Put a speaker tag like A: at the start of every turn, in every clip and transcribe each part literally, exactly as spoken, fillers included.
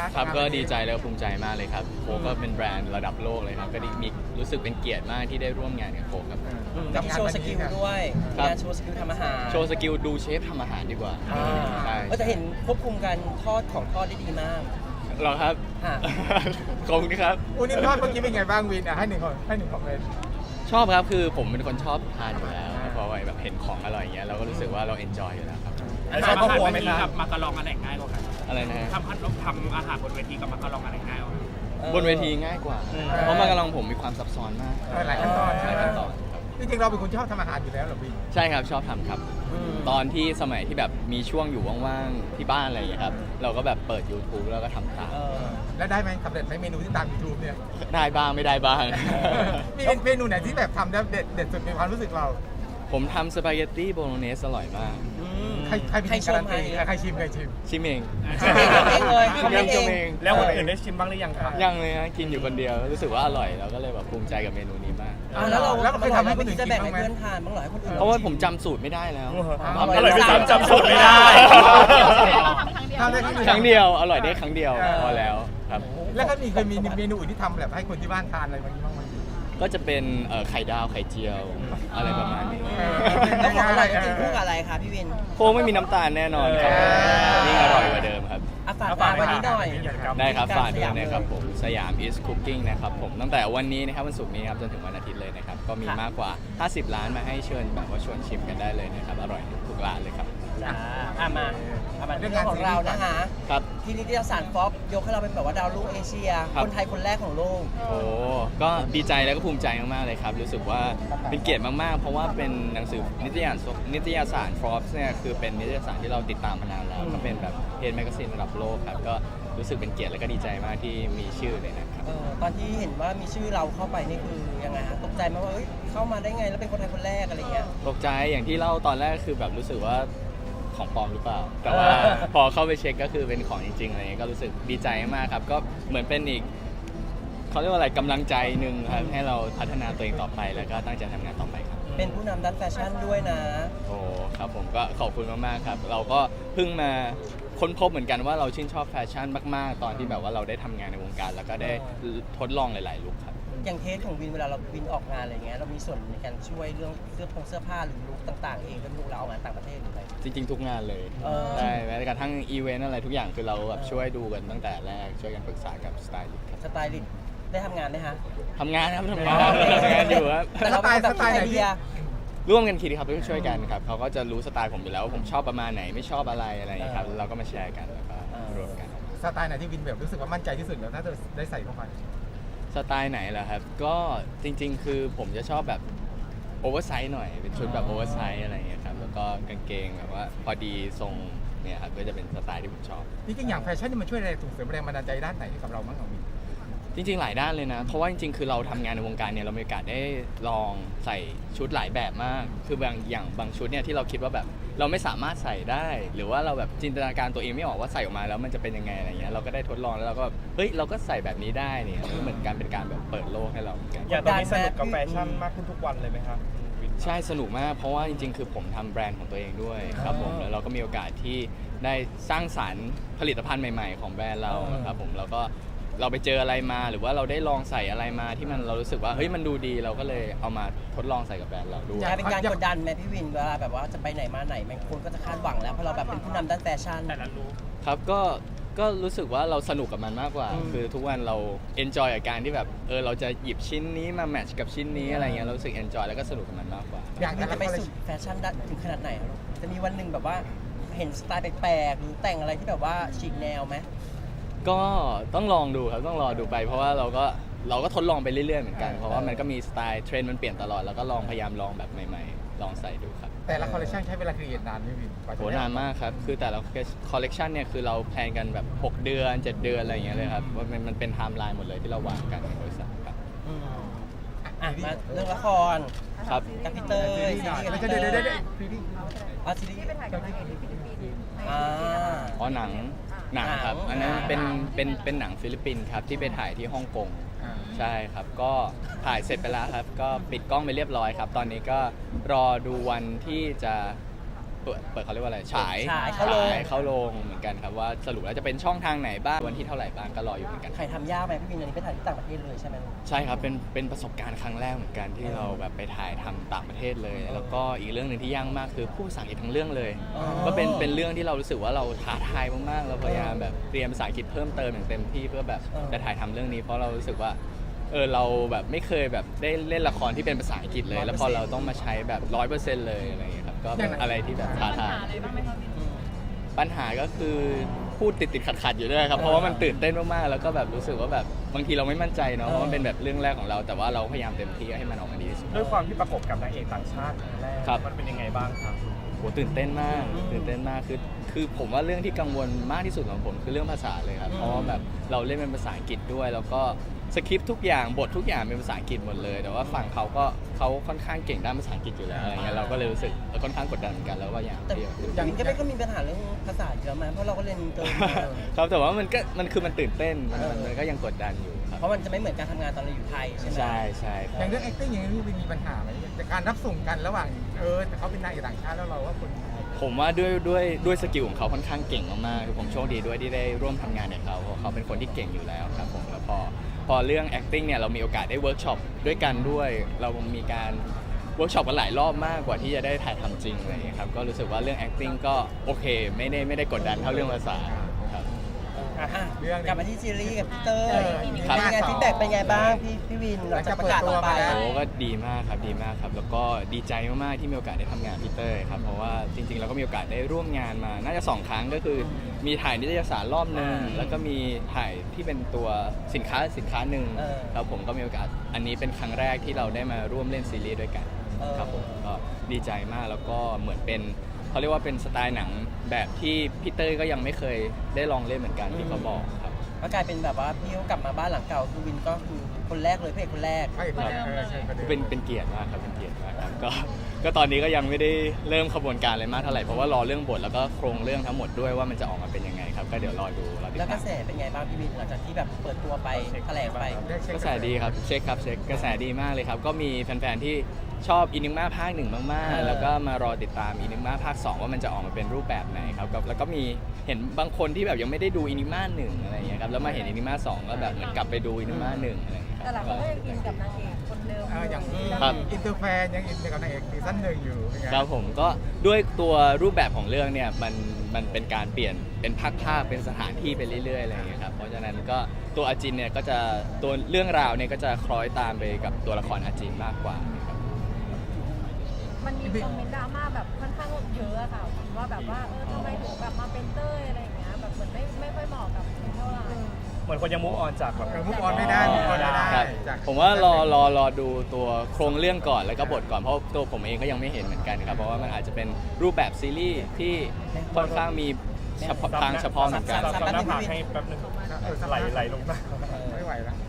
A: ครับก็ดีใจแล้วภูมิใจมากเลยครับโค้กก็เป็นแบรนด์ระดับโลกเลยครับก็ดีมีรู้สึกเป็นเกียรติมากที่ได้ร่วมงานกับโค้กครับ
B: มีโชว์สกิลด้วยมีการโชว์สกิลทำอาหาร
A: โชว์สกิลดูเชฟทำอาหารดีกว่า
B: อ่า
A: ใช่
B: ก็จะเห็นควบคุมการทอดของทอดได้ดีมาก
A: เหรอครับ
B: ค่ะ
A: ขอบคุณครับ
C: อูนิทอดเมื่อกี้เป็นไงบ้างวินอ่ะให้หนึ่งคนให้หนึ่งคอมเมนต์
A: ชอบครับคือผมเป็นคนชอบทานอยู่แล้วพอแบบเห็นของอร่อยอย่างเงี้ยเราก็รู้สึกว่าเราเอนจอยอยู่แล้วครับ
C: อาหารครอบครัวไหมครับ
D: กับมักกะลองอันไหนง่ายกว่ากัน
A: อะไรนะฮะ
D: ทำขนมทำอาหารบนเวทีกับมักกะลองอันไหนง่ายกว่ากัน
A: บนเวทีง่ายกว่า เพราะมันกำลังผมมีความซับซ้อนมาก
C: หลายขั้นตอน
A: หลายขั้นตอนครับ
C: จริงๆเราเป็นคนชอบทำอาหารอยู่แล้วเหรอวิน
A: ใช่ครับชอบทำครับ
B: อืม
A: ตอนที่สมัยที่แบบมีช่วงอยู่ว่างๆที่บ้านอะไรอย่างเงี้ยครับเราก็แบบเปิด YouTube แล้วก็ทำตาม
B: เออ
C: แล้วได้ไหมสำเร็จไหมเมนูที่ตามยูทูบเนี่ย
A: ได้บ้างไม่ได้บ้าง
C: มีเมนูไหนที่แบบทำแล้วเด็ดเด็ดสุดในความรู้สึกเรา
A: ผมทำสปาเกตตี้โบโลเนสอร่อยมาก
B: อืม
C: ใครใครเป็น
B: ใคร
C: คน
B: ช
C: การั
B: ม
C: น
B: ให้
C: ตีใครชิมใครชิม
A: ชิมเอง
B: ชิมเองทำเองเลย
A: ชิม
B: ทำ
A: เอง
B: เอ
A: ชิ
B: ง
A: มเอง
D: แล้วคนอื่นได้ชิมบ้างหรือยังครับ
A: ยังเลยฮะกินอยู่คนเดียวรู้สึกว่าอร่อยเราก็เลยแบบภูมิใจกับเมนูนี้มาก
B: อ่าแล้วเรา
C: แล้วเคยทำให้คนอื่น
B: จะ
C: กิน
B: แบ่ง
C: บ้า
B: ให้
C: งไหม
B: เพื่อนทานบ้างเหรอให้คนอื่น
A: เพราะว่าผมจำสูตรไม่ได้แล้ว
C: อ
D: อร่อยไม่ซ้ำจำสูตรไม่ได้
C: ทำได้
A: ครั้งเดียวอร่อยได้ครั้งเดียวพอแล้วครับ
C: แล้วก็มีเคยมีเมนูอื่นที่ทำแบบให้คนที่บ้านทานอะไรบางอย่างบ้างไหม
A: ก็จะเป็นเอ่อไข่ดาวไข่เจียวอะไรประมาณนี้
C: เออ
B: แล้วของเราจะกินคู่กับอะไรคะพี่วิน
A: โค้งไม่มีน้ำตาลแน่นอนครับ
C: เออ
A: นี่อร่อยกว่าเดิมครับ
B: อ่ะฝากร้านวันนี้หน่อย
A: ได้ครับฝากด้วย
B: สยม
A: นะครับผมสยาม is cooking นะครับผมตั้งแต่วันนี้นะครับวันศุกร์นี้ครับจนถึงวันอาทิตย์เลยนะครับก็มีมากกว่า ห้าสิบ ร้านมาให้เชิญแบบว่าชวนชิมกันได้เลยนะครับอร่อยทุกร้านเลยครับ
B: จ้าอ่ะมาอ่ะมาเรื่องของเรานะคะ
A: ครับ
B: ที่นิตยสารฟ็อบยกให้เราเป็นแบบว่าดาวรุ่งเอเชีย
A: ครับ
B: คนไทยคนแรกของโลก
A: โอ้ก็ดีใจแล้วก็ภูมิใจมากๆเลยครับ รู้สึกว่าเป็นเกียรติมากๆ เพราะว่าเป็นหนังสือนิตยสารนิตยสาร Forbes เนี่ยคือเป็นนิตยสารที่เราติดตามมานานแล้ว ก็เป็นแบบเพจแมกกาซีนระดับโลกครับ ก็รู้สึกเป็นเกียรติและก็ดีใจมากที่มีชื่อเลยนะครับ
B: เออตอนที่เห็นว่ามีชื่อเราเข้าไปนี่คือยังไงฮะตกใจไหมว่าเอ้ยเข้ามาได้ไงแล้วเป็นคนไทยคนแรกอะไรเงี้ย
A: ตกใจอย่างที่เล่าตอนแรกคือแบบรู้สึกว่าของปลอมหรือเปล่า แต่ว่า
B: เออ
A: พอเข้าไปเช็คก็คือเป็นของจริงๆอะไรเงี้ยก็รู้สึกดีใจมากครับ ก็เหมือนเป็นอีกเขาเรียกว่าอะไรกำลังใจหนึ่งครับให้เราพัฒนาตัวเองต่อไปแล้วก็ตั้งใจทำงานต่อไปครับ
B: เป็นผู้นำด้านแฟชั่นด้วยนะ
A: โอ้ครับผมก็ขอบคุณมากๆครับ เราก็เพิ่งมาค้นพบเหมือนกันว่าเราชื่นชอบแฟชั่นมากๆ ตอนที่แบบว่าเราได้ทำงานในวงการ แล้วก็ได้ทดลองหลายๆลุคครับ
B: อย่างเทสของวินเวลาเราวินออกงานอะไรเงี้ยเรามีส่วนในการช่วยเรื่องเสื้อผงเสื้อผ้าหรือลุคต่างๆ เองเป็นลุคเราออกงานต่างประเทศหรืออะไร
A: จริงๆ ทุกงานเลย
B: เออ
A: ใช่แม้กระทั่งอีเวนต์อะไรทุกอย่างคือเราแบบช่วยดูกันตั้งแต่แรกช่วยกันปรึกษากับสไตลิสต์ครับ
B: สไตลิสต์ได้ทำงานไหมฮะ
A: ทำงานครับทำงานทำงานอยู่ครับ
B: แต่เราเป็นแบบไอเดีย
A: ร่วมกันคิดครับช่วยกันครับเขาก็จะรู้สไตล์ผมอยู่แล้วว่าผมชอบประมาณไหนไม่ชอบอะไรอะไรอย่างเงี้ยครับเราก็มาแชร์กันแล้วก็รวมกัน
C: สไตล์ไหนที่วินแบบรู้สึกว่ามั่นใจที่สุดแล้วน่าจะได้ใส่เข้าไป
A: สไตล์ไหนเหรอครับ ก็จริงๆ คือผมจะชอบแบบโอเวอร์ไซส์หน่อย เป็นชุดแบบโอเวอร์ไซส์อะไรอย่างเงี้ยครับ แล้วก็กางเกงแบบว่าพอดีทรงเนี่ยครับ ก็จะเป็นสไตล์ที่ผมชอบ
C: จริงๆอย่างแฟชั่นนี่มันช่วยอะไรส่งเสริมแรงบันดาลใจด้านไหนให้กับเราบ้างของวิน
A: จริงๆ หลายด้านเลยนะ เพราะว่าจริงๆ คือเราทำงานในวงการเนี่ยเรามีโอกาสได้ลองใส่ชุดหลายแบบมาก คือบางอย่างบางชุดเนี่ยที่เราคิดว่าแบบเราไม่สามารถใส่ได้ หรือว่าเราแบบจินตนาการตัวเองไม่ออกว่าใส่ออกมาแล้วมันจะเป็นยังไงอะไรเงี้ย เราก็ได้ทดลองแล้วเราก็แบบเฮ้ยเราก็ใส่แบบนี้ได้เนี่ยมันเหมือนการเป็นการแบบเปิดโลกให้เราเหมือนกัน
D: อย่างตอนนี้สนุกกับแฟชั่นมากขึ้นทุกวันเลยไหมครับวิน
A: ใช่สนุกมากเพราะว่าจริงๆ คือผมทำแบรนด์ของตัวเองด้วยครับผมแล้วเราก็มีโอกาสที่ได้สร้างสรรค์ผลิตภัณฑ์ใหม่ๆ ของแบรนด์เราครับผมแล้วก็เราไปเจออะไรมาหรือว่าเราได้ลองใส่อะไรมาที่มันเรารู้สึกว่าเฮ้ยมันดูดีเราก็เลยเอามาทดลองใส่กับแบรนด์เราด้วย
B: กลายเป็นการกดดันไหมพี่วินเวลาแบบว่าจะไปไหนมาไหนมันคนก็จะคาดหวังแล้วเพราะเราแบบเป็นผู้นำด้านแฟชั่น
D: แต่ละรู้
A: ครับก็ก็รู้สึกว่าเราสนุกกับมันมากกว่า
B: อืม
A: คือทุกวันเราเอนจอยกับการที่แบบเออเราจะหยิบชิ้นนี้มาแมทช์กับชิ้นนี้อะไรเงี้ยเรารู้สึกเอนจอยแล้วก็สนุกกับมันมากกว่า
C: อย่าง
B: มัน
C: แต่
B: จะ
C: ละ
B: ไป
C: คอลเลค
B: สุ
C: ชั่
B: ด
C: น
B: แฟชั่นได้ถึงขนาดไหนอะลูกจะมีวันหนึ่งแบบว่าเห็นสไตล์แปลกๆหรือแต่งอะไรที่แบบว่าฉีกแนวไหม
A: ก็ต้องลองดูครับต้องรอดูไป เพราะว่าเราก็เราก็ทดลองไปเรื่อยๆเหมือนกัน เพราะว่ามันก็มีสไตล์เทรนด์มันเปลี่ยนตลอดแล้วก็ลองพยายามลองแบบใหม่ๆ ลองใส่ดูครับ
C: แต่ละคอลเลคชันใช้เวลาครีเอทนานไหมวินกว่าจะ
A: โห
C: ได้
A: นานมากครับ คือแต่ละคอลเลกชันเนี่ยคือเราแพลนกันแบบ หก เดือน เจ็ด เดือนอะไรอย่างเงี้ยเลยครับว่ามันมันเป็นไทม์ไลน์หมดเลยที่เราวางกันในบริษัทครับ
B: อืมอ่ะมาเรื่องละคร
A: ครับ
B: กับพี่เตยซีรีส์กับ
C: แล้ว
B: พี่
C: จะ
B: เต
C: เดี๋ย
B: ยว
C: เดี๋ยวเดี๋ยวซีรีส์
B: อ๋อซีรีส์
E: ที่ไปถ่ายกับนางเอกที่ฟิลิปปินส์
B: อ่า
A: อ๋อหนังหนังครับ
B: หนัง
A: อันนั้นเป็นเป็นเป็นหนังฟิลิปปินส์ครับที่ไปถ่ายที่ฮ่องกง
C: อ่า
A: ใช่ครับ ก็ถ่ายเสร็จไปแล้วครับ ก็ปิดกล้องไปเรียบร้อยครับ ตอนนี้ก็รอดูวันที่จะเปิดเปิดเขาเรียกว่าอะไรฉาย
B: ฉายเข้าโรง
A: ฉายเข้าโรงเหมือนกันครับว่าสรุปแล้วจะเป็นช่องทางไหนบ้างวันที่เท่าไหร่บ้างก็รออยู่เหมือนกัน
B: ใครทำยากไหมพี่วินอันนี้ไปถ่ายที่ต่างประเทศเลยใช่ไหมลูก
A: ใช่ครับเป็นเป็นประสบการณ์ครั้งแรกเหมือนกันที่เราแบบไปถ่ายทำต่างประเทศเลย แล้วก็อีกเรื่องหนึ่งที่ยากมากคือผู้ภาษาอังกฤษทั้งเรื่องเลย
B: อ๋อ
A: ก็เป็นเป็นเรื่องที่เรารู้สึกว่าเราท้าทายมากๆเราพยายามแบบเรียนภาษาอังกฤษเพิ่มเติมอย่างเต็มที่เพื่อแบบ
B: เออ
A: จะถ่ายทำเรื่องนี้เพราะเรารู้สึกว่าเออเราแบบไม่เคยแบบได้เล่นละครที่เป็นภาษาอังกฤษเลย แล้วพอเราต้องมาใช้แบบร้อยเปอร์เซ็นต์เลยอะไรอย่างเงี้ยครับก็เป็นอะไรที่แบบท้าทาย
E: อะไรบ้างไหมคะพี่
B: อืม
A: ปัญหาก็คือพูดติดติดขัดขัดๆอยู่ด้วยครับเพราะว่ามันตื่นเต้นมากๆแล้วก็แบบรู้สึกว่าแบบบางทีเราไม่มั่นใจเนาะเพราะมันเป็นแบบเรื่องแรกของเราแต่ว่าเราพยายามเต็มที่ให้มันออกมาดีที่สุด
D: ด้วยความที่ประกบกับนางเอกต่างชาติครั้งแรก
A: ครับ
D: มันเป็นยังไงบ้างครับ
A: โหตื่นเต้นมากตื่นเต้นมากคือคือผมว่าเรื่องที่กังวลมากที่สุดของผมคือเรื่องภาษาเลยครับ
B: อืม
A: เพราะว่าแบบเราเล่นเป็นภาษาอังกฤษด้วย แล้วก็สคริปต์ทุกอย่างบททุกอย่างเป็นภาษาอังกฤษหมดเลย แต่ว่าฝั่งเขาก็เขาค่อนข้างเก่งด้านภาษาอังกฤษอยู่แล้วอะไรเงี้ยเราก็เลยรู้สึกเออค่อนข้างกดดันเหมือนกันแล้วว่าอยาก
B: แต่
A: เรียน
B: อย่างนี้ก็ไม่ก็มีปัญหาเรื่องภาษาอยู่แล้วไหมเพราะเราก็เรียนเกิน
A: ครับแต่ว่ามันก็มันคือมันตื่นเต้นมัน
B: เออ
A: มันก็ยังกดดันอยู่ครับ
B: เพราะมันจะไม่เหมือนการทำงานตอนเราอยู่ไทยใช่ไหม
A: ใช่ใช่ค
C: อ
A: รับ
C: ย่างเรื่อง acting อย่างนี้มีปัญหาไหมจากการรับส่งกันระหว่างเออแต่เขาเป็นนายเอกต่างชาติแล้วเราว่าคน
A: ผมว่าด้วยด้วยด้วยสกิลของเขาค่อนข้างเก่งมากๆคือผมโชคดีด้วยที่ได้ร่วมทำงานกับเขาเพราะเขาเป็นคนที่เก่งอยู่แล้วครับผมแล้วพอพอเรื่อง acting เนี่ยเรามีโอกาสได้เวิร์กช็อปด้วยกันด้วย เรามีการเวิร์กช็อปกันหลายรอบมากกว่าที่จะได้ถ่ายทำจริงอะไรอย่างเงี้ยครับก็รู้สึกว่าเรื่อง acting ก็โอเคไม่ได้ไม่ได้กดดันเท่าเรื่องภาษาครับ
B: อ่ะ
C: เรื่อง
B: กลับมาที่ซีรีส์กับพี่เต้ย
C: เออ
A: ครับ
B: เป็นไงฟีดแบ็กเป็นไงบ้างพี่พี่วินหลังจากประกาศออกไป
C: หลังจากเปิดตัวมาแล้ว
A: โอ้ก็ดีมากครับดีมากครับแล้วก็ดีใจมากๆที่มีโอกาสได้ทำงานพี่เต้ยครับเพราะว่าจริงๆเราก็มีโอกาสได้ร่วมงานมาน่าจะสองครั้งก็คือมีถ่ายนิตยสารรอบหนึ่งแล้วก็มีถ่ายที่เป็นตัวสินค้าสินค้าหนึ่ง
B: เออ
A: แล้วผมก็มีโอกาสอันนี้เป็นครั้งแรกที่เราได้มาร่วมเล่นซีรีส์ด้วยกัน
B: เออ
A: ครับผมก็ดีใจมากแล้วก็เหมือนเป็นเขาเรียกว่าเป็นสไตล์หนังแบบที่พี่เต้ยก็ยังไม่เคยได้ลองเล่นเหมือนกันที่เขาบอกครับ
B: ก็กลายเป็นแบบว่าพี่เขากลับมาบ้านหลังเก่าคือวินก็คือคนแรกเลยพระเอกคนแรก
C: ใช่คนแรกเออใช่คนแรก
A: เป็นเป็นเกียรติมากครับเป็นเกียรติมากครับก็ก็ตอนนี้ก็ยังไม่ได้เริ่มขบวนการอะไรมากเท่าไหร่เพราะว่ารอเรื่องบทแล้วก็โครงเรื่องทั้งหมดด้วยว่ามันจะออกมาเป็นยังไงครับก็เดี๋ยวรอดูรอติด
B: แล้วก
A: ตา
B: ระ
A: ม
B: แสเป็นไงบ้างพี่วินหลังจากที่แบบเปิดตัวไปแถลงไป
A: กระแสดีครับเช็คครับเช็คกระแสดีมากเลยครับก็มีแฟนๆที่ชอบอินิม่าภาคหนึ่งมาก
B: เออ
A: ๆ แล้วก็มารอติดตามอินิม่าภาคสองว่ามันจะออกมาเป็นรูปแบบไหนครับก็แล้วก็มีเห็นบางคนที่แบบยังไม่ได้ดูอินิม่าหนึ่งอะไรอย่างเงี้ยครับแล้วมาเห็นอินิม่าสองก็แบบเหมือนกลับไปดูอินิม่าหนึ่งอะไรอย่างเงี้ยค
E: แต่หลายคน
A: รับ
E: ก็ยังอินกับนางเอกคนเดิม
C: เอออย่าง
A: ครับ
C: อินเตอร์แฟนยังอินกับนางเอกซีซั่นหนึ่งอยู่เป็นไง
A: ครับผมก็ด้วยตัวรูปแบบของเรื่องเนี่ยมันมันเป็นการเปลี่ยนเป็นภาคภาคเป็นสถานที่ไปเรื่อยๆอะไรอย่างเงี้ยครับเพราะฉะนั้นก็ตัวอาจินเนี่ยก็จะตัวเรื่องราวเนี่ยก็จะคล้อยตามไปกับตัวละครอาจินมากกว่าครับ
E: มันมีคอมเมนต์ดราม่าแบบค่อนข้างเยอะอะค่ะว่าแบบว่าเออทำไมถึงแบบมาเป็นเต้ยอะไรอย่างเงี้ยแบบเหมือนไม่ไม่ค่อยเหมาะกับเท่าไหร่
D: เหมือนคนยังมุกออนจากแบบ
C: เออมุกออนไม่ได้มุกออนไม่ได้
A: ครับ
C: จาก
A: ผมว่ารอรอรอดูตัวโครงเรื่องก่อนแล้วก็บทก่อนเพราะตัวผมเองก็ยังไม่เห็นเหมือนกันครับเพราะว่ามันอาจจะเป็นรูปแบบซีรีส์ที่ค่อนข้างมีเฉพาะทางเฉพาะเหมือนกัน
D: ซับซับหน้าผากให้แป๊บนึง
C: เออ
D: ไหลไหลลงมา
C: ไม่ไหวแล้ว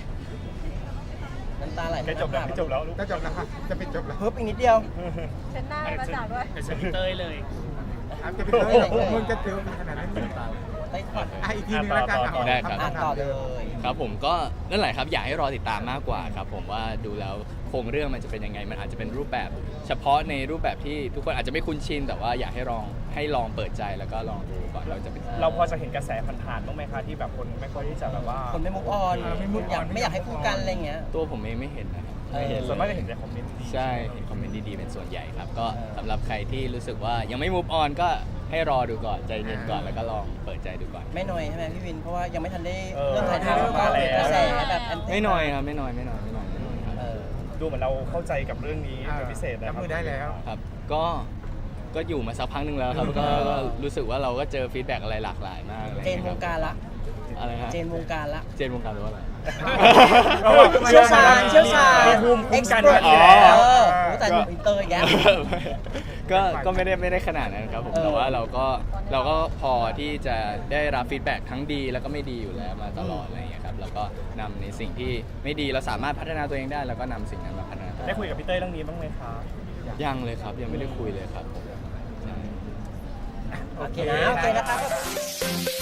B: น้ำตาไหล
D: ใกล้จบแล้วใกล้จบแล้วลูก
C: จะจบแล้วค่ะจะปิดจบแล้ว
B: เพิ่มอีกนิดเดียว
E: เช็ดหน้าให้ประจักษ์ด้วย
D: เป็นสเตอร์เลย
C: อ่ะจะปิดเลยมึงจะถือขนาดนั้นเลย
B: ได้ขอด
C: อ่ะอีกทีนึงแล้วกันอ่ะ
A: ได้ครับ
B: อ่านต่อเลย
A: ครับผมก็นั่นแหละครับอยากให้รอติดตามมากกว่าครับผมว่าดูแล้วโครงเรื่องมันจะเป็นยังไงมันอาจจะเป็นรูปแบบ เฉพาะในรูปแบบที่ทุกคนอาจจะไม่คุ้นชินแต่ว่าอยากให้ลองให้ลองเปิดใจแล้วก็ลองดูก่อนเราจะเป็น
D: เราพอจะเห็นกระแสผ่านๆบ้างไหมคะที่แบบคนไม่ค่อยที่จะแบบว่า
B: คนไม่มุกออนอยากไม่อยากให้พูดกันอะไรเงี้ย
A: ตัวผมเองไม่เห็นนะครับ
B: เออ
A: ไม่เห็น
D: ส่วนมากจะ
A: เลย
D: เห็นแต่คอมเมนต์ดี
A: ใช่เห็นคอมเมนต์ดีๆเป็นส่วนใหญ่ครับ ก็
B: เออ
A: สำหรับใครที่รู้สึกว่ายังไม่ move on ก็ให้รอดูก่อนใจเย็นก่อนแล้วก็ลองเปิดใจดูก่อน
B: ไม่น้อยใช่ไหมพี่วิน เพราะว่ายังไม่ทันได้
D: เออ
B: เรื่องถ่ายทำก็เกิดกระแสแบบแอนตี้
A: ไม่น้อยครับไม่น้อยไม่น้อยไม่น้อยไม่น้อยครับ
B: เออ
D: ดูเหมือนเราเข้าใจกับเรื่องนี้เป็นพิเศษนะค
C: รั
D: รั
C: บบ มือได้แล้ว
A: ครับก็ก็อยู่มาสักพักหนึ่งแล้วครับก็ก็รู้สึกว่าเราก็เจอฟีดแบ็กอะไรหลากหลายมากอะไร
B: เจน
A: งี้ยว
B: ง
A: คบ
B: การละ
A: อะไรฮะ
B: เจนวงการละ
A: เจนวงการหรือว่าอะไร
B: เชี่ยวชาญเชี่ยวชาญ
D: มีภูมิคุ้มกัน
B: expert
A: อ๋อ
B: เออแต่หนุ่มอินเตอร์อีกแล้ว
A: ก็ก็ไม่ได้ไม่ได้ขนาดนั้นครับผม
B: เออ
A: แต่ว่าเราก็เราก็พอที่จะได้รับฟีดแบ็กทั้งดีแล้วก็ไม่ดีอยู่แล้วมาตลอดอะไรอย่างเงี้ยครับแล้วก็นำในสิ่งที่ไม่ดีเราสามารถพัฒนาตัวเองได้แล้วก็นำสิ่งนั้นมาพัฒนาตัวเอง
D: ได้คุยกับพี่เต้ยเรื่องนี้บ้างไหมคะ
A: ยังเลยครับยังไม่ได้คุยเลยครับผมใช่
B: โอเคนะโอเคนะครับ